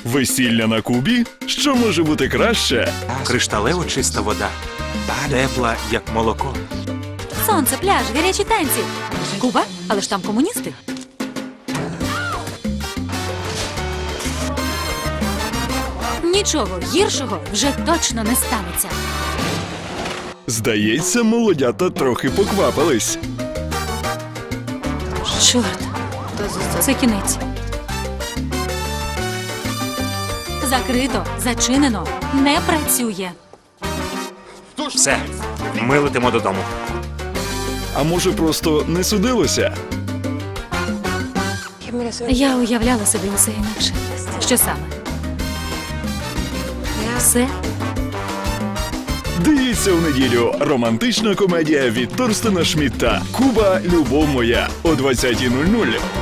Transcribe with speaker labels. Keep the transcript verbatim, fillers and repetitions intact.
Speaker 1: Весілля на Кубі? Що може бути краще?
Speaker 2: Кришталево чиста вода. Тепла, як молоко.
Speaker 3: Сонце, пляж, гарячі танці. Куба? Але ж там комуністи. Нічого гіршого вже точно не станеться.
Speaker 1: Здається, молодята трохи поквапились.
Speaker 3: Чорт, це кінець. Закрито, зачинено, не працює.
Speaker 2: Все, ми летимо додому.
Speaker 1: А може, просто не судилося?
Speaker 3: Я уявляла собі усе інакше. Що саме? Все?
Speaker 1: Дивіться в неділю. Романтична комедія від Торстена Шмідта. Куба, любов моя. О двадцятій нуль нуль.